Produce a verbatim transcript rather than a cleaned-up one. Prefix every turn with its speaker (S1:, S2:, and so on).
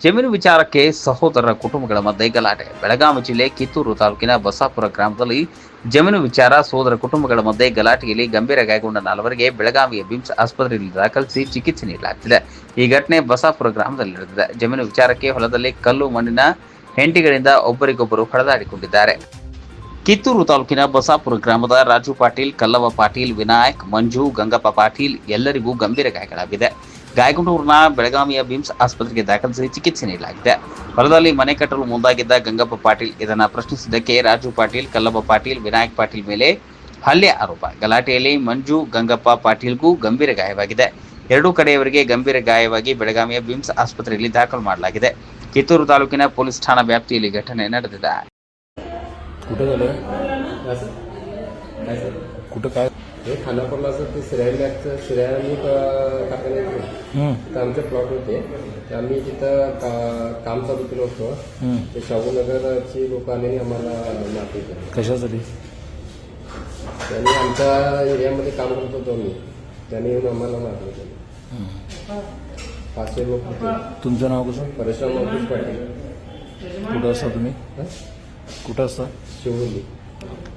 S1: ಜಮೀನು ವಿಚಾರಕ್ಕೆ ಸಹೋದರರ ಕುಟುಂಬಗಳ ಮಧ್ಯೆ ಗಲಾಟೆ. ಬೆಳಗಾವಿ ಜಿಲ್ಲೆ ಕಿತ್ತೂರು ತಾಲೂಕಿನ ಬಸಾಪುರ ಗ್ರಾಮದಲ್ಲಿ ಜಮೀನು ವಿಚಾರ ಸಹೋದರ ಕುಟುಂಬಗಳ ಮಧ್ಯೆ ಗಲಾಟೆಯಲ್ಲಿ ಗಂಭೀರ ಗಾಯಗೊಂಡ ನಾಲ್ವರಿಗೆ ಬೆಳಗಾವಿಯ ಬಿಮ್ಸ್ ಆಸ್ಪತ್ರೆಯಲ್ಲಿ ದಾಖಲಿಸಿ ಚಿಕಿತ್ಸೆ ನೀಡಲಾಗುತ್ತಿದೆ. ಈ ಘಟನೆ ಬಸಾಪುರ ಗ್ರಾಮದಲ್ಲಿ ನಡೆದಿದೆ. ಜಮೀನು ವಿಚಾರಕ್ಕೆ ಹೊಲದಲ್ಲಿ ಕಲ್ಲು ಮಣ್ಣಿನ ಹೆಂಟಿಗಳಿಂದ ಒಬ್ಬರಿಗೊಬ್ಬರು ಹೊಡೆದಾಡಿಕೊಂಡಿದ್ದಾರೆ. ಕಿತ್ತೂರು ತಾಲೂಕಿನ ಬಸಾಪುರ ಗ್ರಾಮದ ರಾಜು ಪಾಟೀಲ್, ಕಲ್ಲವ ಪಾಟೀಲ್, ವಿನಾಯಕ್, ಮಂಜು, ಗಂಗಪ್ಪ ಪಾಟೀಲ್ ಎಲ್ಲರಿಗೂ ಗಂಭೀರ ಗಾಯಗಳಾಗಿದೆ. ಗಾಯಗೊಂಡವರನ್ನ ಬೆಳಗಾವಿಯ ಬಿಮ್ಸ್ ಆಸ್ಪತ್ರೆಗೆ ದಾಖಲಿಸಿ ಚಿಕಿತ್ಸೆ ನೀಡಲಾಗಿದೆ. ಹೊಲದಲ್ಲಿ ಮನೆ ಕಟ್ಟಲು ಮುಂದಾಗಿದ್ದ ಗಂಗಪ್ಪ ಪಾಟೀಲ್ ಇದನ್ನು ಪ್ರಶ್ನಿಸಿದ್ದಕ್ಕೆ ರಾಜು ಪಾಟೀಲ್, ಕಲ್ಲವ ಪಾಟೀಲ್, ವಿನಾಯಕ್ ಪಾಟೀಲ್ ಮೇಲೆ ಹಲ್ಲೆ ಆರೋಪ. ಗಲಾಟೆಯಲ್ಲಿ ಮಂಜು, ಗಂಗಪ್ಪ ಪಾಟೀಲ್ಗೂ ಗಂಭೀರ ಗಾಯವಾಗಿದೆ. ಎರಡೂ ಕಡೆಯವರಿಗೆ ಗಂಭೀರ ಗಾಯವಾಗಿ ಬೆಳಗಾವಿಯ ಬಿಮ್ಸ್ ಆಸ್ಪತ್ರೆಯಲ್ಲಿ ದಾಖಲು ಮಾಡಲಾಗಿದೆ. ಕಿತ್ತೂರು ತಾಲೂಕಿನ ಪೊಲೀಸ್ ಠಾಣಾ ವ್ಯಾಪ್ತಿಯಲ್ಲಿ ಘಟನೆ ನಡೆದಿದೆ.
S2: कुठं झालं
S3: असं काय सर
S2: कुठं काय
S3: हे खानापूरला असं ते सिरायल बॅगचं सिरायल आम्ही टाकायला येतो
S2: हं,
S3: तर आमचे प्लॉट होते तर आम्ही तिथं का काम चालू केलं होतं.
S2: हं.
S3: ते शाहूनगरची लोक आलेली आम्हाला मारली केली.
S2: कशासाठी
S3: त्यांनी आमच्या एरियामध्ये काम करत होतो मी त्यांनी येऊन आम्हाला मारलं केलं.
S2: हं.
S3: पाचशे लोक होते.
S2: तुमचं नाव कसं?
S3: परशुराम अंकुश पाटील
S2: कुठं असता तुम्ही?
S3: हं?
S2: कुठं असता?
S3: शिवली.